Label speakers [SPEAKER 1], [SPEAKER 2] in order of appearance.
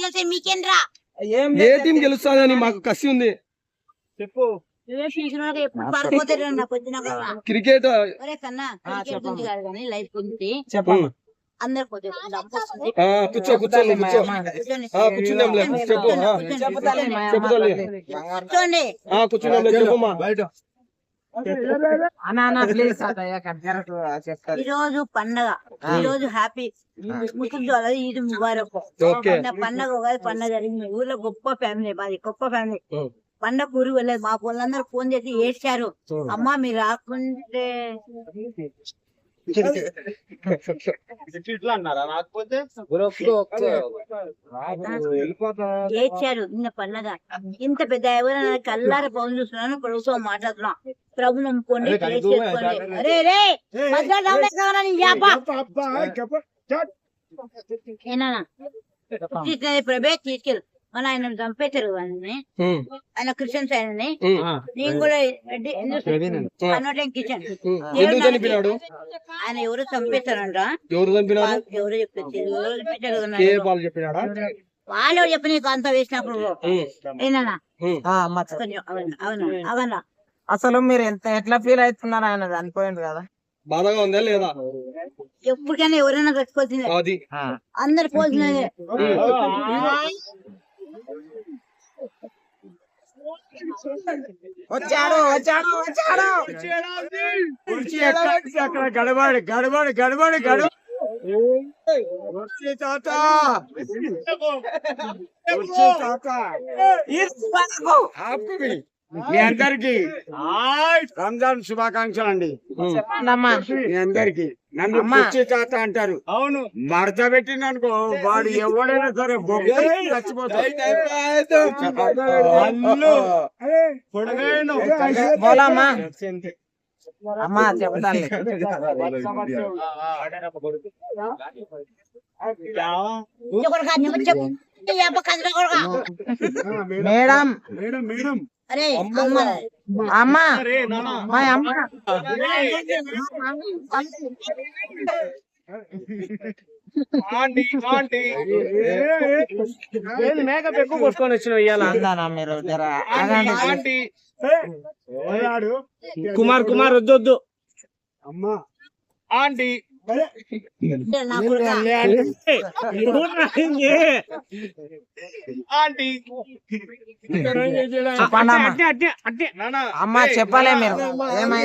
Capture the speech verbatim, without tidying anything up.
[SPEAKER 1] గెలిచే మీకేంద్రా
[SPEAKER 2] ఏ టీం గెలుస్తుందని మాకు కసి ఉంది. చెప్పు. క్రికెట్
[SPEAKER 1] అందరు
[SPEAKER 2] కూర్చో కూర్చోండి కూర్చో కూర్చుందాంలే చెప్పు
[SPEAKER 1] కూర్చోండి
[SPEAKER 2] కూర్చుందాంలే చెప్పమ్మా.
[SPEAKER 1] ఈ రోజు పండగ, ఈ రోజు హ్యాపీ ముస్లిం ఈద్ ముబారక్ పండగ. ఉగాది పండగ జరిగింది ఊర్లో. గొప్ప ఫ్యామిలీ మాది, గొప్ప ఫ్యామిలీ. పండగ ఊరు వెళ్ళలేదు. మా వాళ్ళందరూ ఫోన్ చేసి ఏడ్చారు, అమ్మా మీరు రాకుంటే ఏడ్చారు. నిన్న పండగ ఇంత పెద్ద ఎవరైనా కల్లారా ఫోన్ చూస్తున్నాను, ప్రభుత్వం మాట్లాడుతున్నాం. ప్రభు నమ్ముకోండి, అరే రే ప్రభే తీసుకెళ్ళి మన ఆయన చంపేశారు. వాళ్ళని ఆయన క్రిస్టియన్స్ ఆయనని, నేను కూడా కిచెన్ ఆయన ఎవరు చంపేశారంట. ఎవరు చెప్పేసారు, వాళ్ళు చెప్పి నీకు అంత వేసినప్పుడు ఏనా అవునా అవునా.
[SPEAKER 3] అసలు మీరు ఎంత ఎట్లా ఫీల్ అవుతున్నారు? ఆయన చనిపోయింది కదా,
[SPEAKER 2] బాధగా ఉందా లేదా?
[SPEAKER 1] ఎప్పటికైనా ఎవరైనా కట్టుకోవాల్సిందే, అందరు పోల్సినదే.
[SPEAKER 3] వచ్చాడు వచ్చాడు వచ్చాడు
[SPEAKER 4] అక్కడ గడబడి గడబడి గడబడి గడ తాత మీ అందరికి రంజాన్ శుభాకాంక్షలు అండి. మీ అందరికి నన్ను కుర్చీ తాత అంటారు. అవును, మడత పెట్టిననుకో వాడు ఎవడైనా సరే చచ్చిపోతాడు.
[SPEAKER 3] అమ్మా చెప్తాను. మేడం
[SPEAKER 4] మేడం మేడం
[SPEAKER 1] అరే
[SPEAKER 3] అమ్మా మా అమ్మ
[SPEAKER 2] మేకప్ ఎక్కువ కొట్టుకొని వచ్చిన ఇయ్యాల
[SPEAKER 3] మీరు
[SPEAKER 2] కుమార్ కుమార్ వద్దు వద్దు
[SPEAKER 4] అమ్మా
[SPEAKER 2] ఆంటీ
[SPEAKER 3] అమ్మా చెప్పలే మీరు.